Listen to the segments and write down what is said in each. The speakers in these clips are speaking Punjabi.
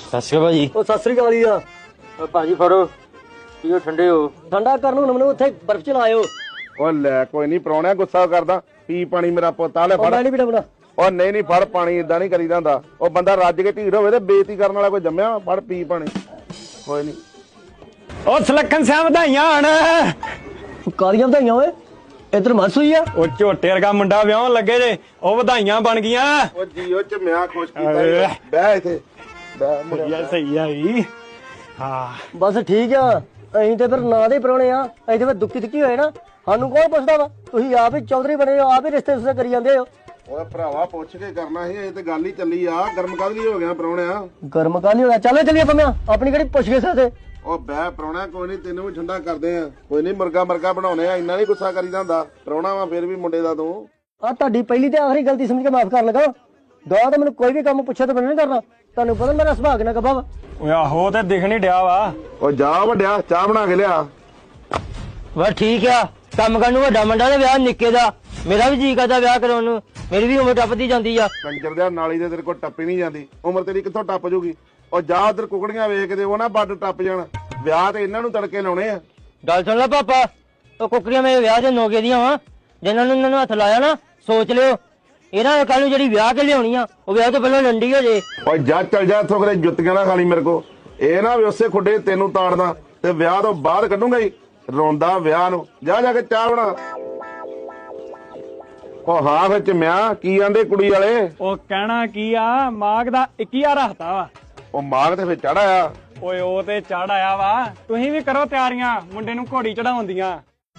ਸਤਿ ਸ਼੍ਰੀ ਅਕਾਲ ਭਾਜੀ। ਉਹ ਸਤਿ ਸ੍ਰੀ ਅਕਾਲ ਜੀ ਆ ਭਾਜੀ ਫੜੋ ਪੀਓ, ਠੰਡੇ ਹੋ। ਠੰਡਾ ਕਰਨ ਨੂੰ ਮੈਨੂੰ ਉੱਥੇ ਬਰਫ਼ ਚ ਲਾਇਓ। ਉਹ ਲੈ ਕੋਈ ਨਹੀਂ ਪ੍ਰਾਹੁਣਿਆ, ਗੁੱਸਾ ਕਰਦਾ। ਪੀ ਪਾਣੀ ਮੇਰਾ ਪੁੱਤ, ਆ ਲੈ ਉਹ ਫੜ। ਮੈਂ ਨਹੀਂ ਪੀਣਾ ਬਣਾ। ਉਹ ਨਹੀਂ ਫੜ ਪਾਣੀ, ਇਦਾਂ ਨਹੀਂ ਕਰੀਦਾ ਹੁੰਦਾ। ਉਹ ਬੰਦਾ ਰੱਜ ਕੇ ਢੀਰ ਹੋਵੇ ਤੇ ਬੇਇੱਜ਼ਤੀ ਕਰਨ ਵਾਲਾ ਕੋਈ ਜੰਮਿਆ। ਫੜ ਪੀ ਪਾਣੀ, ਕੋਈ ਨਹੀਂ। ਉਹ ਸਲੱਖਣ ਸਿਆ ਵਧਾਈਆਂ ਹਣ। ਕਾਲੀਆਂ ਵਧਾਈਆਂ ਓਏ, ਇੱਧਰ ਮਸ ਹੋਈ ਆ। ਉਹ ਝੋਟੇ ਵਰਗਾ ਮੁੰਡਾ ਵਿਆਹਣ ਲੱਗੇ ਜੇ, ਉਹ ਵਧਾਈਆਂ ਬਣ ਗਈਆਂ। ਉਹ ਜੀਓ ਚ ਮੈਂ ਖੁਸ਼ ਕੀਤਾ। ਬਹਿ ਇੱਥੇ ਬਹਿ ਮੁੰਡਿਆ। ਸਹੀ ਆਈ। ਹਾਂ ਬਸ ਠੀਕ ਆ, ਅਸੀਂ ਤੇ ਫਿਰ ਨਾਂ ਦੇ ਪ੍ਰਾਹੁਣੇ ਆ। ਅਸੀਂ ਤੇ ਫਿਰ ਦੁੱਖੀ ਦੁੱਖੀ ਹੋਏ ਨਾ, ਸਾਨੂੰ ਕੌਣ ਪੁੱਛਦਾ ਵਾ? ਤੁਸੀਂ ਆਪ ਹੀ ਚੌਧਰੀ ਬਣੇ ਹੋ, ਆਪ ਹੀ ਰਿਸ਼ਤੇ ਰੁਸ਼ਤੇ ਕਰੀ ਜਾਂਦੇ ਹੋ। ਓਏ ਭਰਾਵਾ ਪੁੱਛ ਕੇ ਕਰਨਾ ਸੀ, ਇਹ ਤੇ ਗੱਲ ਹੀ ਚੱਲੀ ਆ। ਗਰਮ ਕਦ ਲਈ ਹੋ ਗਿਆ ਪ੍ਰਾਹੁਣਿਆ? ਗਰਮ ਕਾਲੀ ਹੋਇਆ। ਚੱਲੋ ਚੱਲੀਏ ਪੰਮਿਆ, ਆਪਣੀ ਕਿਹੜੀ ਪੁੱਛ ਗਏ ਸਾਥੇ। ਉਹ ਬਹਿ ਪ੍ਰਾਹੁਣਿਆ, ਕੋਈ ਨਹੀਂ ਤੈਨੂੰ ਵੀ ਠੰਡਾ ਕਰਦੇ ਆ। ਕੋਈ ਨਹੀਂ ਮੁਰਗਾ ਬਣਾਉਣੇ ਆ। ਇੰਨਾ ਨਹੀਂ ਗੁੱਸਾ ਕਰੀਦਾ ਹੁੰਦਾ। ਪ੍ਰਾਹੁਣਾ ਵਾ ਫਿਰ ਵੀ ਮੁੰਡੇ ਦਾ ਤੂੰ। ਆ ਤੁਹਾਡੀ ਪਹਿਲੀ ਤੇ ਆਖਰੀ ਗਲਤੀ ਸਮਝ ਕੇ ਮਾਫ ਕਰਨ ਲੱਗਾ। ਦੁਆ ਤਾਂ ਮੈਨੂੰ ਕੋਈ ਵੀ ਕੰਮ ਪੁੱਛਿਆ ਤਾਂ ਮੈਨੂੰ ਨਹੀਂ ਕਰਨਾ। ਤੁਹਾਨੂੰ ਪਤਾ ਮੇਰਾ ਸੁਭਾਅ ਕਿੰਨਾ ਕੱਬਾ ਵਾ। ਓਏ ਆਹੋ ਤੇ ਦਿਖ ਨਹੀਂ ਡਿਆ ਵਾ। ਉਹ ਜਾ ਵੱਡਿਆ, ਚਾਹ ਬਣਾ ਕੇ ਲਿਆ। ਬਸ ਠੀਕ ਆ, ਕੰਮ ਕਰਨ ਨੂੰ ਵੱਡਾ ਮੁੰਡਾ ਤੇ ਵਿਆਹ ਨਿੱਕੇ ਦਾ। ਮੇਰਾ ਵੀ ਜੀ ਕਰਦਾ ਵਿਆਹ ਕਰਾਉਣ ਨੂੰ, ਮੇਰੀ ਵੀ ਉਮਰ ਟੱਪਦੀ ਜਾਂਦੀ ਆ। ਕੰਜਰ ਦੇ ਨਾਲੀ ਦੇ ਤੇਰੇ ਕੋਲ ਟੱਪੀ ਨਹੀਂ ਜਾਂਦੀ। ਉਮਰ ਤੇਰੀ ਕਿੱਥੋਂ ਟੱਪ ਜੂਗੀ? ਉਹ ਜਾ ਉਧਰ ਕੁਕੜੀਆਂ ਵੇਖ ਕੇ ਉਹ ਨਾ ਵੱਡ ਟੱਪ ਜਾਣ। ਵਿਆਹ ਤੇ ਇਹਨਾਂ ਨੂੰ ਤੜਕੇ ਲਾਉਣੇ ਆ। ਗੱਲ ਸੁਣ ਲੈ ਪਾਪਾ, ਉਹ ਕੁੱਕਰੀਆਂ ਮੇਰੇ ਵਿਆਹ ਦੇ ਨੋਕੇ ਦੀਆਂ ਵਾ। ਜਿਨ੍ਹਾਂ ਨੂੰ ਇਹਨਾਂ ਨੂੰ ਹੱਥ ਲਾਇਆ ਨਾ, ਸੋਚ ਲਿਓ ਇਹਨਾਂ ਨੇ ਕੱਲ ਨੂੰ ਜਿਹੜੀ ਵਿਆਹ ਕੇ ਲਿਆਉਣੀ ਆ, ਉਹ ਵਿਆਹ ਤੋਂ ਪਹਿਲਾਂ ਲੰਡੀ ਹੋ ਜੇ। ਓਏ ਜਾ ਚੱਲ ਜਾ ਇੱਥੋਂ, ਕਰੇ ਜੁੱਤੀਆਂ ਨਾ ਖਾਲੀ ਮੇਰੇ ਕੋ। ਇਹ ਨਾ ਵੀ ਉਸੇ ਖੁੱਡੇ ਤੈਨੂੰ ਤਾੜਦਾ ਤੇ ਵਿਆਹ ਤੋਂ ਬਾਅਦ ਕੱਢੂੰਗਾ ਹੀ ਰੋਂਦਾ ਵਿਆਹ ਨੂੰ। ਜਾ ਜਾ ਕੇ ਚਾਹ ਬਣਾ। ਉਹ ਹਾਂ ਵਿੱਚ ਮਿਆ ਕੀ ਆਂਦੇ ਕੁੜੀ ਵਾਲੇ? ਉਹ ਕਹਿਣਾ ਕੀ ਆ, ਮਾਗ ਦਾ 21 ਰੱਖਤਾ ਵਾ। ਉਹ ਮਾਗ ਤੇ ਫਿਰ ਚੜਾਇਆ। ਓਏ ਉਹ ਤੇ ਚੜ ਆਇਆ ਵਾ। ਤੁਸੀਂ ਵੀ ਕਰੋ ਤਿਆਰੀਆਂ, ਮੁੰਡੇ ਨੂੰ ਘੋੜੀ ਚੜਾਉਣ ਦੀਆਂ।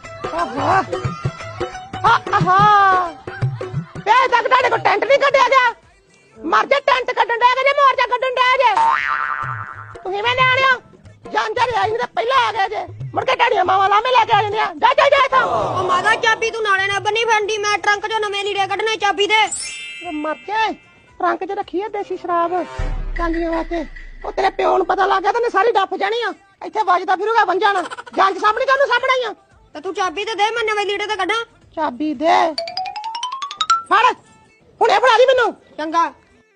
ਵੇ ਤੱਕ ਤੁਹਾਡੇ ਕੋਲ ਟੈਂਟ ਨਹੀਂ ਕੱਢਿਆ ਗਿਆ? ਮਰ ਜਾ, ਟੈਂਟ ਕੱਢਣ ਡਿਆ ਜੇ ਮੋਰਚਾ ਕੱਢਣ ਡਿਆ ਜੇ। ਤੁਸੀਂ ਮੈਂ ਨਿਆਣਿਓ ਜਾਂਦੇ ਆਈ ਤੇ ਪਹਿਲਾਂ ਆ ਗਏ ਜੇ, ਮੁੜ ਕੇ ਢਾੜੀਆਂ ਮਾਵਾਂ ਲਾਮੇ ਲੈ ਕੇ ਆ ਜਾਂਦੀਆਂ। ਜਾ ਜਾ ਜਾ ਇੱਥੋਂ। ਉਹ ਮਾਦਾ ਚਾਬੀ ਤੂੰ ਨਾਲੇ ਨਾ ਬੰਨੀ ਫੰਡੀ, ਮੈਂ ਟਰੰਕ ਚੋਂ ਨਵੇਂ ਲੀੜੇ ਕੱਢਣੇ ਚਾਬੀ ਦੇ। ਮਰ ਕੇ ਟਰੰਕ 'ਚ ਰੱਖੀ ਐ ਦੇਸੀ ਸ਼ਰਾਬ ਕਾਲੀਆਂ ਵਾਸਤੇ। ਉਹ ਤੇਰੇ ਪਿਓ ਨੂੰ ਪਤਾ ਲੱਗ ਗਿਆ ਤਾਂ ਨੇ ਸਾਰੀ ਡੱਫ ਜਾਣੀ ਆ। ਇੱਥੇ ਵੱਜਦਾ ਫਿਰੂਗਾ ਵੰਜਾਣਾ। ਜੰਜ ਸਾਹਮਣੇ ਕਾਹਨੂੰ ਸਾਹਮਣੇ ਆ? ਤੇ ਤੂੰ ਚਾਬੀ ਤੇ ਦੇ, ਮੈਂ ਨਵੇਂ ਲੀੜੇ ਤੇ ਕੱਢਾਂ। ਚਾਬੀ ਦੇ ਫੜ, ਹੁਣੇ ਫੜਾ ਦੀ ਮੈਨੂੰ। ਚੰਗਾ।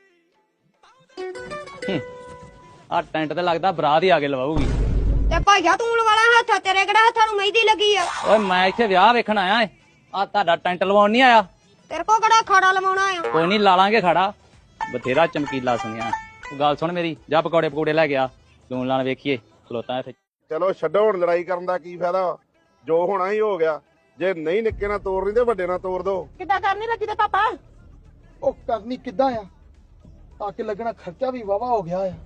ਆ ਟੈਂਟ ਤੇ ਲੱਗਦਾ ਬਰਾਤ ਹੀ ਆ ਕੇ ਲਵਾਉਗੀ। ਤੇ ਭਾਈਆ ਤੂੰ ਲਵਾਲਾ ਹੱਥ, ਤੇਰੇ ਕਿਹੜਾ ਹੱਥਾਂ ਨੂੰ ਮਹਿੰਦੀ ਲੱਗੀ ਆ? ਓਏ ਮੈਂ ਇੱਥੇ ਵਿਆਹ ਵੇਖਣ ਆਇਆ ਏ, ਆ ਤੁਹਾਡਾ ਟੈਂਟ ਲਵਾਉਣ ਨਹੀਂ ਆਇਆ। ਤੇਰੇ ਕੋ ਕਿਹੜਾ ਖਾੜਾ ਲਵਾਉਣਾ ਆ? ਕੋਈ ਨਹੀਂ ਲਾ ਲਾਂਗੇ ਖੜਾ, ਬਥੇਰਾ ਚਮਕੀਲਾ ਸੁਣਿਆ। ਗੱਲ ਸੁਣ ਮੇਰੀ, ਜਾ ਪਕੌੜੇ ਲੈ ਗਿਆ, ਲੂਣ ਲਾਣ ਵੇਖੀਏ ਖਲੋਤਾ ਇੱਥੇ। ਚਲੋ ਛੱਡੋ ਹੁਣ ਲੜਾਈ ਕਰਨ ਦਾ ਕੀ ਫਾਇਦਾ। ਜੋ ਹੋਣਾ ਹੀ ਹੋ ਗਿਆ। ਜੇ ਨਹੀਂ ਨਿੱਕੇ ਨਾਲ ਤੋੜਨੀ ਤੇ ਵੱਡੇ ਨਾਲ ਤੋੜ ਦੋ। ਕਿੱਦਾਂ ਕਰਨੀ ਲੱਗੀ ਤੇ ਪਾਪਾ? ਉਹ ਕਰਨੀ ਕਿੱਦਾਂ ਆ? ਆ ਕੇ ਲੱਗਣਾ ਖਰਚਾ ਵੀ ਵਾਵਾ ਹੋ ਗਿਆ ਆ।